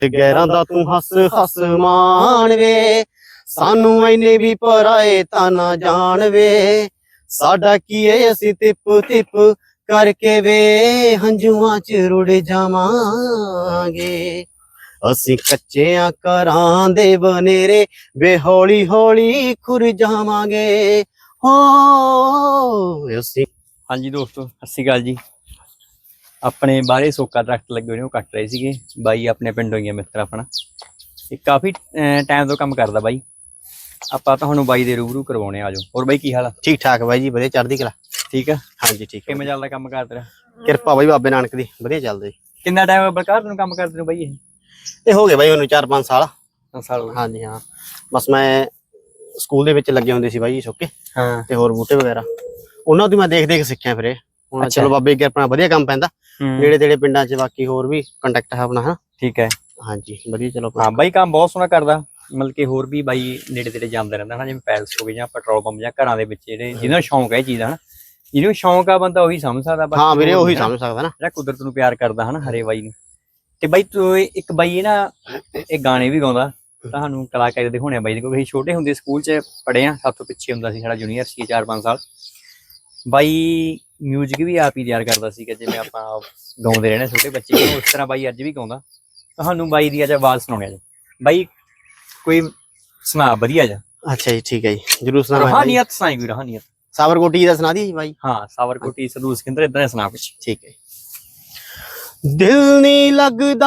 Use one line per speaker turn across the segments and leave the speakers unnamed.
गैरां दा तू हस हस मान वे सानू इन्ने भी पराए ताना जान वे साडा की है असी तिप तिप करके वे हंजुआं च रुड़ जावांगे असी कच्चियां घरां दे बनेरे वे हौली हौली खुर जावांगे हो असी।
हाँ जी दोस्तों सत श्री अकाल जी। अपने बाहरे सोका दरख्त लगे हुए कट रहे थे बाई अपने पिंडों ही मित्र अपना काफ़ी टाइम तो काम करता बाई ਆਪਾਂ ਤੁਹਾਨੂੰ ਬਾਈ ਦੇ ਰੂਬਰੂ ਕਰਵਾਉਣੇ ਆ ਜਾਓ। ਹੋਰ ਬਾਈ ਕੀ ਹਾਲ ਆ?
ठीक ठाक बाई जी ਵਧੀਆ ਚੜ੍ਹਦੀ ਕਲਾ।
ਠੀਕ ਆ
हाँ जी ठीक है
ਕਿਵੇਂ ਚੱਲਦਾ ਕੰਮ ਕਾਰ ਤੇਰਾ?
ਕਿਰਪਾ ਬਾਈ ਬਾਬੇ ਨਾਨਕ ਦੀ ਵਧੀਆ ਚੱਲਦਾ ਜੀ।
ਕਿੰਨਾ ਟਾਈਮ ਬਲਕਾਰ ਤੈਨੂੰ ਕੰਮ ਕਰਦੇ ਨੂੰ ਬਾਈ?
ਇਹ ਹੋ ਗਏ ਬਾਈ ਉਹਨੂੰ 4-5 ਸਾਲ।
5 ਸਾਲ ਹੋ ਗਏ।
ਹਾਂਜੀ ਹਾਂ ਬਸ ਮੈਂ ਸਕੂਲ ਦੇ ਵਿੱਚ ਲੱਗੇ ਹੁੰਦੇ ਸੀ ਬਾਈ ਜੀ ਸੁੱਕੇ
ਹਾਂ
ਤੇ ਹੋਰ ਬੂਟੇ ਵਗੈਰਾ ਉਹਨਾਂ ਤੋਂ ਮੈਂ ਦੇਖ ਦੇਖ ਸਿੱਖਿਆ ਫਿਰ ਇਹ ਹੁਣ ਚਲੋ ਬਾਬੇ ਅੱਗੇ ਆਪਣਾ ਵਧੀਆ ਕੰਮ ਪੈਂਦਾ ਨੇੜੇ ਤੇੜੇ ਪਿੰਡਾਂ 'ਚ ਬਾਕੀ ਹੋਰ ਵੀ ਕੰਟੈਕਟ ਹੈ ਆਪਣਾ। ਹਾਂ
ਠੀਕ ਹੈ
ਹਾਂਜੀ ਵਧੀਆ ਚਲੋ।
ਹਾਂ ਬਾਈ ਕੰਮ ਬਹੁਤ ਸੋਹਣਾ ਕਰਦਾ ਮਤਲਬ ਕਿ ਹੋਰ ਵੀ ਬਾਈ ਨੇੜੇ ਤੇੜੇ ਜਾਂਦਾ ਰਹਿੰਦਾ ਹਨਾ ਜਿਵੇਂ ਪੈਲਸ ਹੋ ਗਏ ਜਾਂ ਪੈਟਰੋਲ ਪੰਪ ਜਾਂ ਘਰਾਂ ਦੇ ਵਿੱਚ ਜਿਹੜੇ ਜਿਹਨਾਂ ਨੂੰ ਸ਼ੌਂਕ ਹੈ ਇਹ ਚੀਜ਼ ਦਾ ਹਨਾ ਜਿਹਨੂੰ ਸ਼ੌਂਕ ਆ ਬੰਦਾ ਉਹੀ ਸਮਝ ਸਕਦਾ।
ਹਾਂ ਵੀਰੇ ਉਹੀ ਸਮਝ ਸਕਦਾ ਨਾ
ਜਿਹੜਾ ਕੁਦਰਤ ਨੂੰ ਪਿਆਰ ਕਰਦਾ ਹਨਾ ਹਰੇ ਬਾਈ ਨੂੰ। ਤੇ ਬਾਈ ਤੂੰ ਇੱਕ ਬਾਈ ਇਹ ਨਾ ਇਹ ਗਾਣੇ ਵੀ ਗਾਉਂਦਾ ਤੁਹਾਨੂੰ ਕਲਾਕਾਰ ਦਿਖਾਉਣੇ ਬਾਈ ਦੇ ਕਿਉਂਕਿ ਅਸੀਂ ਛੋਟੇ ਹੁੰਦੇ ਸਕੂਲ 'ਚ ਪੜ੍ਹੇ ਆ ਸਭ ਤੋਂ ਪਿੱਛੇ ਹੁੰਦਾ ਸੀ ਸਾਡਾ ਜੂਨੀਅਰ ਸੀ 4-5 ਸਾਲ। ਬਾਈ ਮਿਊਜ਼ਿਕ ਵੀ ਆਪ ਹੀ ਤਿਆਰ ਕਰਦਾ ਸੀਗਾ ਜਿਵੇਂ ਆਪਾਂ ਗਾਉਂਦੇ ਰਹਿਣੇ ਛੋਟੇ ਬੱਚੇ ਉਸ ਤਰ੍ਹਾਂ ਬਾਈ ਅੱਜ ਵੀ ਗਾਉਂਦਾ। ਤੁਹਾਨੂੰ ਬਾਈ ਦੀ ਅੱਜ ਆਵਾਜ਼ ਸੁਣਾਉਣੀ ਅੱਜ ਬਾਈ ਕੋਈ ਸੁਣਾ ਵਧੀਆ ਜਾ।
ਅੱਛਾ ਜੀ ਠੀਕ ਹੈ ਜੀ ਜਰੂਰ ਸੁਣਾ।
ਰੋਹਾਨੀਅਤ ਸੁਣਾਈ ਕੋਈ ਰੋਹਾਨੀਅਤ
ਸਾਬਰਕੋਟੀ ਦਾ ਸੁਣਾ ਦੀ ਜੀ ਬਾਈ।
ਹਾਂ ਸਾਬਰਕੋਟੀ ਸਦੂਰ ਸਿਕੰਦਰ ਇਦਾਂ ਸੁਣਾ ਕੁਛ।
ਠੀਕ ਹੈ। दिल नहीं लगदा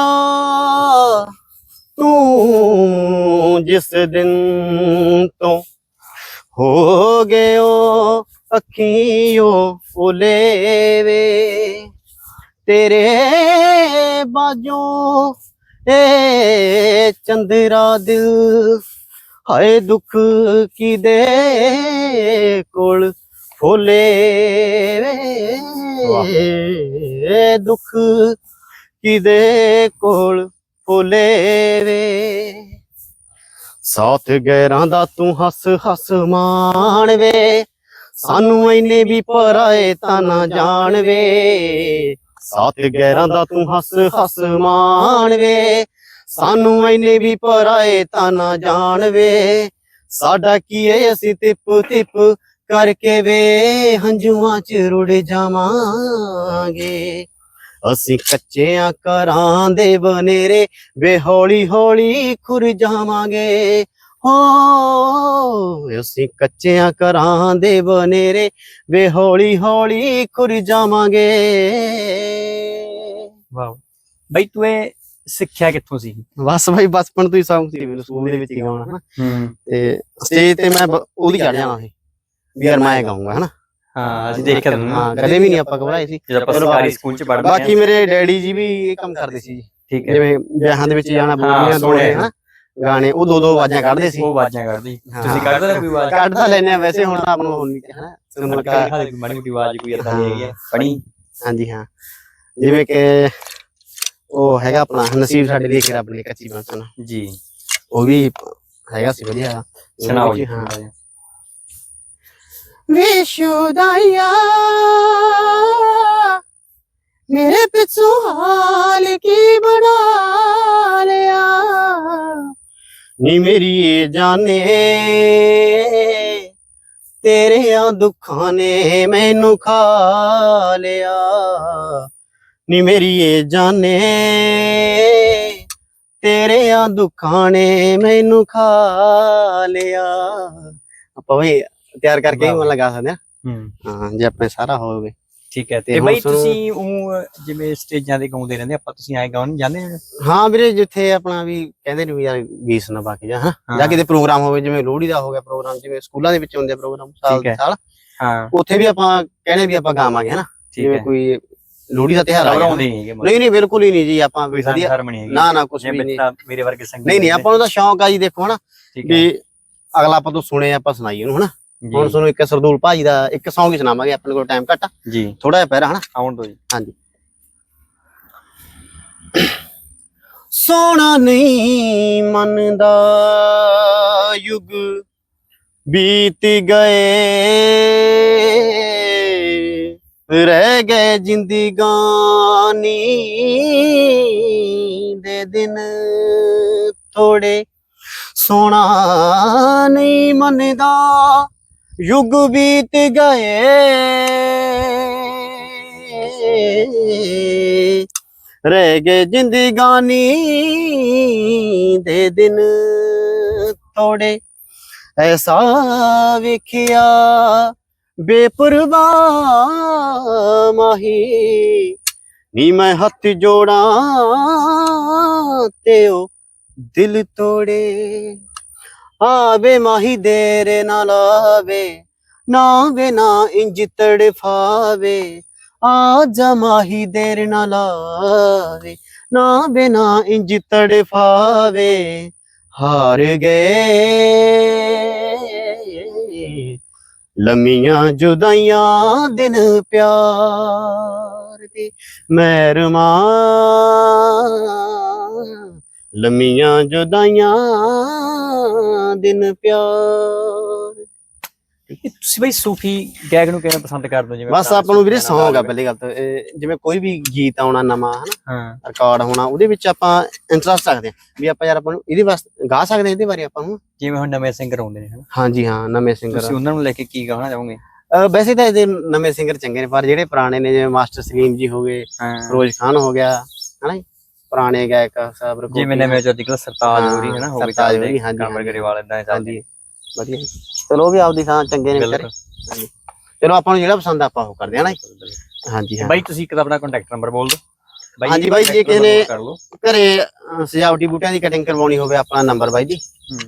तू जिस दिन तो हो गयो अखियों ओले वे तेरे बाजों ए चंद्रा दिल हाय दुख की दे कोल फुले वे दुख किदे कोल फुले वे साथ गैरां दा तू हस हस मान वे सानू इन्ने भी पराए ताना जान वे साथ गैरां दा तू हस हस मान वे सानू इन्ने भी पराए ताना जान वे साडा की है असी तिप तिप करके वे हंजुआं च रुड़ जावांगे असी कच्चियां घरां दे बनेरे वे हौली हौली खुर जावांगे हो असी कच्चियां घरां दे बनेरे वे हौली हौली खुर जावांगे।
ਵਾਹ ਬਾਈ ਤੂੰ ਇਹ ਸਿੱਖਿਆ ਕਿੱਥੋਂ ਸੀ?
बस भाई बचपन तो ही शौक ਸੀ ਮੈਨੂੰ ਸਕੂਲ ਦੇ ਵਿੱਚ ਹੀ ਗਾਉਣਾ ਤੇ ਸਟੇਜ ਤੇ ਮੈਂ ਉਹਦੀ ਚੜ ਜਾਣਾ ਸੀ ਵੀ ਯਾਰ ਮੈਂ ਗਾਉਂਗਾ ਹਨਾ।
ਹਾਂ ਅਸੀਂ ਦੇਖਿਆ ਤੈਨੂੰ।
ਹਾਂ ਕਦੇ ਵੀ ਨਹੀਂ ਆਪਾਂ ਘਬਰਾਏ ਸੀ
ਜਦੋਂ ਆਪਾਂ ਸਰਕਾਰੀ ਸਕੂਲ 'ਚ ਪੜ੍ਹਦੇ
ਬਾਕੀ ਮੇਰੇ ਡੈਡੀ ਜੀ ਵੀ ਇਹ ਕੰਮ ਕਰਦੇ ਸੀ
ਠੀਕ ਹੈ
ਜਿਵੇਂ ਵਿਆਹਾਂ ਦੇ ਵਿੱਚ ਜਾਣਾ ਬੋਲੀਆਂ ਦੋਣੇ ਹਨਾ ਗਾਣੇ ਉਹ ਦੋ ਆਵਾਜ਼ਾਂ ਕੱਢਦੇ ਸੀ।
ਉਹ ਆਵਾਜ਼ਾਂ ਕੱਢਦੀ ਤੁਸੀਂ ਕੱਢਦੇ ਨਾ ਕੋਈ ਆਵਾਜ਼?
ਕੱਢਦਾ ਲੈਨੇ ਆ ਵੈਸੇ ਹੁਣ ਆਪ ਨੂੰ ਹੋਣੀ ਹਨਾ ਸੁਣਨ
ਮਾੜੀ ਮੋਟੀ ਆਵਾਜ਼ ਕੋਈ ਏਦਾਂ ਦੀ ਹੈਗੀ ਹੈ ਪੜੀ?
ਹਾਂਜੀ ਹਾਂ ਜਿਵੇਂ ਕਿ ਉਹ ਹੈਗਾ ਆਪਣਾ ਨਸੀਬ ਸਾਡੇ ਲਈ ਰੱਬ ਨੇ ਕੱਚੀ ਬਾਂਸਣਾ
ਜੀ
ਉਹ ਵੀ ਹੈਗਾ ਸੀ ਵਧੀਆ।
ਸੁਣਾਓ ਜੀ।
ਹਾਂ विशुदाया मेरे पिछू हाल की बना लिया नी मेरी ये जाने तेरे दुखा ने मैनू खा लिया नी मेरी ये जाने तेरे दुखा ने मैनू खा लिया। ਆਪਾਂ ਵੀ ਤਿਆਰ ਕਰਕੇ ਹੀ ਮਨ ਲਗਾ ਸਕਦੇ ਆ ਹਾਂ ਜੇ ਆਪਣੇ ਸਾਰਾ ਹੋਵੇ
ਠੀਕ ਹੈ। ਤੇ ਬਾਈ ਤੁਸੀਂ ਉਹ ਜਿਵੇਂ ਸਟੇਜਾਂ ਤੇ ਗਾਉਂਦੇ ਰਹਿੰਦੇ ਆਪਾਂ ਤੁਸੀਂ ਐ ਗਾਉਣ ਜਾਂਦੇ ਹੋ?
ਹਾਂ ਵੀਰੇ ਜਿੱਥੇ ਆਪਣਾ ਵੀ ਕਹਿੰਦੇ ਨੇ ਵੀ ਯਾਰ ਗੀਤ ਸੁਣਾ ਬਾਕੀ ਜਾਂ ਜਾਂ ਕਿਤੇ ਪ੍ਰੋਗਰਾਮ ਹੋਵੇ ਜਿਵੇਂ ਲੋਹੜੀ ਦਾ ਹੋ ਗਿਆ ਪ੍ਰੋਗਰਾਮ ਜਿਵੇਂ ਸਕੂਲਾਂ ਦੇ ਵਿੱਚ ਹੁੰਦੇ ਪ੍ਰੋਗਰਾਮ ਸਾਲ ਦੇ ਸਾਲ
ਹਾਂ
ਉੱਥੇ ਵੀ ਆਪਾਂ ਕਹਿੰਦੇ ਵੀ ਆਪਾਂ ਗਾਵਾਂਗੇ ਹਨਾ ਜਿਵੇਂ ਕੋਈ ਲੋਹੜੀ ਦਾ ਤਿਉਹਾਰ ਆ ਗਿਆ। ਨਹੀਂ ਨਹੀਂ ਬਿਲਕੁਲ ਹੀ ਨਹੀਂ ਜੀ ਆਪਾਂ
ਕੋਈ ਹਾਰਮੋਨੀ ਹੈਗੀ
ਨਾ ਨਾ ਕੁਝ ਵੀ ਨਹੀਂ
ਮੇਰੇ ਵਰਗੇ ਸੰਗੀਤ
ਨਹੀਂ ਆਪਾਂ ਨੂੰ ਤਾਂ ਸ਼ੌਂਕ ਆ ਜੀ ਦੇਖੋ ਹਨਾ ਵੀ ਅਗਲਾ ਆਪਾਂ ਤੋਂ ਸੁਣੇ ਆਪਾਂ ਸੁਣਾਈਏ ਉਹਨੂੰ ਹਨਾ। ਹੁਣ ਤੁਹਾਨੂੰ ਇੱਕ ਸਰਦੂਲ ਭਾਜੀ ਦਾ ਇੱਕ ਸੌਂਗ ਹੀ ਸੁਣਾਵਾਂਗੇ ਆਪਣੇ ਕੋਲ ਟਾਈਮ ਘੱਟ
ਜੀ
ਥੋੜਾ ਜਿਹਾ ਪਹਿਰਾ ਹਨਾ
ਆਉਣ ਦੋ ਜੀ।
ਹਾਂਜੀ ਸੋਹਣਾ ਨਹੀਂ ਮੰਨਦਾ ਯੁੱਗ ਬੀਤ ਗਏ ਰਹਿ ਗਏ ਜ਼ਿੰਦਗਾਨੀ ਦੇ ਦਿਨ ਥੋੜੇ, ਸੋਣਾ ਨਹੀਂ ਮੰਨਦਾ ਯੁੱਗ ਬੀਤ ਗਏ, ਰਹਿ ਗਏ ਜ਼ਿੰਦਗਾਨੀ ਦੇ ਦਿਨ ਥੋੜੇ, ਐਸਾ ਵੇਖਿਆ ਬੇਪਰਵਾਹ ਮਾਹੀ, ਨੀ ਮੈਂ ਹੱਥ ਜੋੜਾਂ ਤੇ ਉਹ ਦਿਲ ਤੋੜੇ, ਆਵੇ ਮਾਹੀ ਦੇਰ ਨਾ ਲਾਵੇ, ਨਾ ਵੇ ਨਾ ਇੰਜ ਤੜਫਾਵੇ, ਆ ਜਾ ਮਾਹੀ ਦੇਰ ਨਾ ਲਾਵੇ, ਨਾ ਵੇ ਨਾ ਇੰਜ ਤੜਫਾਵੇ, ਹਾਰ ਗਏ ਲੰਮੀਆਂ ਜੁਦਾਈਆਂ ਦਿਨ ਪਿਆਰ ਦੀ ਮਹਿਰਮਾ, ਲੰਮੀਆਂ ਜੁਦਾਈਆਂ ਦਿਨ ਪਿਆਰ।
ਤੁਸੀਂ ਬਈ ਸੂਫੀ ਗਾਇਕ ਨੂੰ ਕਿਵੇਂ ਪਸੰਦ ਕਰਦੇ ਹੋ? ਜਿਵੇਂ
ਬਸ ਆਪਾਂ ਨੂੰ ਵੀਰੇ ਸੌਂਗ ਆ ਪਹਿਲੀ ਗੱਲ ਤਾਂ, ਜਿਵੇਂ ਕੋਈ ਵੀ ਗੀਤ ਆਉਣਾ ਨਵਾਂ ਹਨਾ,
ਹਾਂ
ਰਿਕਾਰਡ ਹੋਣਾ, ਉਹਦੇ ਵਿੱਚ ਆਪਾਂ ਇੰਟਰਸਟ ਰੱਖਦੇ ਹਾਂ ਵੀ ਆਪਾਂ ਯਾਰ ਆਪਾਂ ਨੂੰ ਇਹਦੇ ਵਾਸਤੇ ਗਾ ਸਕਦੇ ਹਾਂ, ਇਹਦੇ ਬਾਰੇ ਆਪਾਂ ਨੂੰ।
ਜਿਵੇਂ ਹੁਣ ਨਵੇਂ ਸਿੰਗਰ ਆਉਂਦੇ ਨੇ ਹਨਾ,
ਹਾਂਜੀ ਹਾਂ, ਨਵੇਂ ਸਿੰਗਰ
ਤੁਸੀਂ ਉਹਨਾਂ ਨੂੰ ਲੈ ਕੇ ਕੀ ਕਹਿਣਾ ਚਾਹੋਗੇ?
ਵੈਸੇ ਤਾਂ ਇਹਦੇ ਨਵੇਂ ਸਿੰਗਰ ਚੰਗੇ ਨੇ, ਪਰ ਜਿਹੜੇ ਪੁਰਾਣੇ ਨੇ ਜਿਵੇਂ ਮਾਸਟਰ ਸਲੀਮ ਜੀ ਹੋ ਗਏ,
ਹਾਂ
ਫਿਰੋਜ਼ ਖਾਨ ਹੋ ਗਿਆ ਹਨਾ ਜੀ, ਪੁਰਾਣੇ ਗਾਇਕ ਸਾਹਿਬ
ਜਿਵੇਂ ਨਵੇਂ ਜੋ ਅੱਜਕੱਲ ਸਰਤਾਜ ਹੋਰੀ ਹਨਾ, ਹੋ ਗਏ
ਸਰਤਾਜ
ਚੱਲਦੇ,
ਹੋਰੀ, ਹਾਂਜੀ,
ਕਾਮਰ
ਹਾਂਜੀ।
ਗਰੇਵਾਲ ਏਦਾਂ ਦੇ ਚੱਲਦੇ।
ਹਾਂਜੀ ਵਧੀਆ ਜੀ। ਚਲੋ ਉਹ ਵੀ ਆਪਦੀ ਥਾਂ ਚੰਗੇ ਨੇ ਵਿਚਾਰੇ। ਹਾਂਜੀ ਚਲੋ ਆਪਾਂ ਨੂੰ ਜਿਹੜਾ ਪਸੰਦ ਆ ਆਪਾਂ ਉਹ ਕਰਦੇ ਹਾਂ ਨਾ ਜੀ। ਹਾਂਜੀ ਹਾਂ
ਬਾਈ ਤੁਸੀਂ ਇੱਕ ਤਾਂ ਆਪਣਾ ਕੰਟੈਕਟ ਨੰਬਰ ਬੋਲ ਦਿਓ।
ਹਾਂਜੀ ਬਾਈ, ਜੇ ਕਿਸੇ ਨੇ
ਕਰ ਲਓ।
ਘਰੇ ਸਜਾਵਟੀ ਬੂਟਿਆਂ ਦੀ ਕਟਿੰਗ ਕਰਵਾਉਣੀ ਹੋਵੇ, ਆਪਣਾ ਨੰਬਰ ਬਾਈ ਜੀ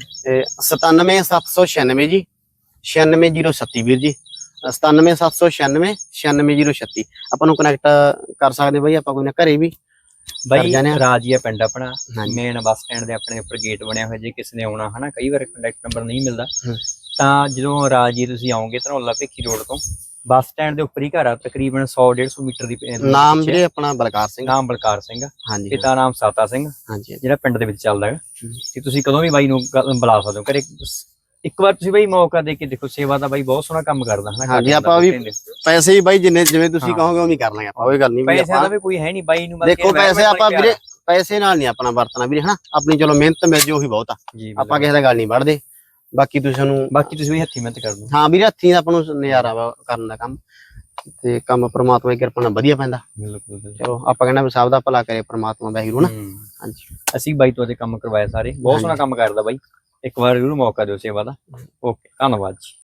97796 ਜੀ 96037 ਵੀਰ ਜੀ, 97796 96036। ਆਪਾਂ ਨੂੰ ਕਨੈਕਟ ਕਰ ਸਕਦੇ ਬਾਈ, ਆਪਾਂ ਕੋਈ ਨਾ ਘਰੇ ਵੀ
ਬਾਈ
ਜਾਂਦੇ ਹਾਂ।
ਰਾਜੀਆ ਪਿੰਡ ਆਪਣਾ,
ਹਾਂਜੀ।
ਮੇਨ ਬੱਸ ਸਟੈਂਡ ਦੇ ਆਪਣੇ ਉੱਪਰ ਗੇਟ ਬਣਿਆ ਹੋਇਆ, ਜੇ ਕਿਸੇ ਨੇ ਆਉਣਾ ਹਨਾ, ਕਈ ਵਾਰ ਕੰਟੈਕਟ ਨੰਬਰ ਨਹੀਂ ਮਿਲਦਾ, ਤਾਂ ਜਦੋਂ ਰਾਜੀਆ ਤੁਸੀਂ ਆਓਗੇ ਧਨੌਲਾ ਭਿੱਖੀ ਰੋਡ ਤੋਂ ਬੱਸ ਸਟੈਂਡ ਦੇ ਉੱਪਰ ਹੀ ਘਰ ਆ, ਤਕਰੀਬਨ 100-150 ਮੀਟਰ ਦੀ
ਨਾਮ ਵੀਰੇ ਆਪਣਾ ਬਲਕਾਰ ਸਿੰਘ।
ਨਾਮ ਬਲਕਾਰ ਸਿੰਘ,
ਹਾਂਜੀ
ਪਿਤਾ ਨਾਮ ਸਾਤਾ ਸਿੰਘ,
ਹਾਂਜੀ
ਜਿਹੜਾ ਪਿੰਡ ਦੇ ਵਿੱਚ ਚੱਲਦਾ ਹੈ। ਤੇ ਤੁਸੀਂ ਕਦੋਂ ਵੀ ਬਾਈ ਨੂੰ ਬੁਲਾ ਸਕਦੇ ਹੋ ਘਰੇ, ਇੱਕ ਵਾਰ ਤੁਸੀਂ ਬਾਈ ਮੌਕਾ ਦੇ ਕੇ ਦੇਖੋ, ਸੇਵਾ ਦਾ ਬਾਈ ਬਹੁਤ ਸੋਹਣਾ ਕੰਮ ਕਰਦਾ ਹਨਾ।
ਹਾਂਜੀ ਆਪਾਂ ਵੀ ਪੈਸੇ ਹੀ ਬਾਈ ਜਿੰਨੇ ਜਿਵੇਂ ਤੁਸੀਂ ਕਹੋਗੇ ਉਵੇਂ ਕਰ ਲਾਂਗੇ ਆਪਾਂ, ਕੋਈ ਗੱਲ ਨਹੀਂ।
ਪੈਸਿਆਂ ਦਾ ਵੀ ਕੋਈ ਹੈ ਨਹੀਂ ਬਾਈ ਨੂੰ,
ਦੇਖੋ ਪੈਸੇ ਆਪਾਂ ਵੀਰੇ ਪੈਸੇ ਨਾਲ ਨਹੀਂ ਆਪਣਾ ਵਰਤਣਾ ਵੀਰੇ ਹਨਾ, ਆਪਣੀ ਚਲੋ ਮਿਹਨਤ ਮਿਲ ਜੇ ਉਹੀ ਬਹੁਤ ਆ, ਆਪਾਂ ਕਿਸੇ ਦਾ ਗੱਲ ਨਹੀਂ ਵੜਦੇ। ਬਾਕੀ ਤੁਸੀਂ
ਵੀ ਹੱਥੀਂ ਮਿਹਨਤ ਕਰਦੇ।
ਹਾਂ ਵੀਰੇ ਹੱਥੀਂ ਆਪਾਂ ਨੂੰ ਨਜ਼ਾਰਾ ਵਾ ਕਰਨ ਦਾ ਕੰਮ, ਤੇ ਕੰਮ ਪ੍ਰਮਾਤਮਾ ਦੀ ਕਿਰਪਾ ਨਾਲ ਵਧੀਆ ਪੈਂਦਾ।
ਬਿਲਕੁਲ
ਚਲੋ ਆਪਾਂ ਕਹਿੰਦੇ ਸਭ ਦਾ ਭਲਾ ਕਰੇ ਪ੍ਰਮਾਤਮਾ ਵਾਹਿਗੁਰੂ ਨਾ। ਹਾਂਜੀ
ਅਸੀਂ ਬਾਈ ਤੋਂ ਅੱਜ ਕੰਮ ਕਰਵਾਇਆ ਸਾਰੇ, ਬਹੁਤ ਸੋਹਣਾ ਕੰਮ ਕਰਦਾ ਬਾਈ, ਇੱਕ ਵਾਰ ਜ਼ਰੂਰ ਮੌਕਾ ਦਿਓ ਸੇਵਾ ਦਾ। ਓਕੇ ਧੰਨਵਾਦ ਜੀ।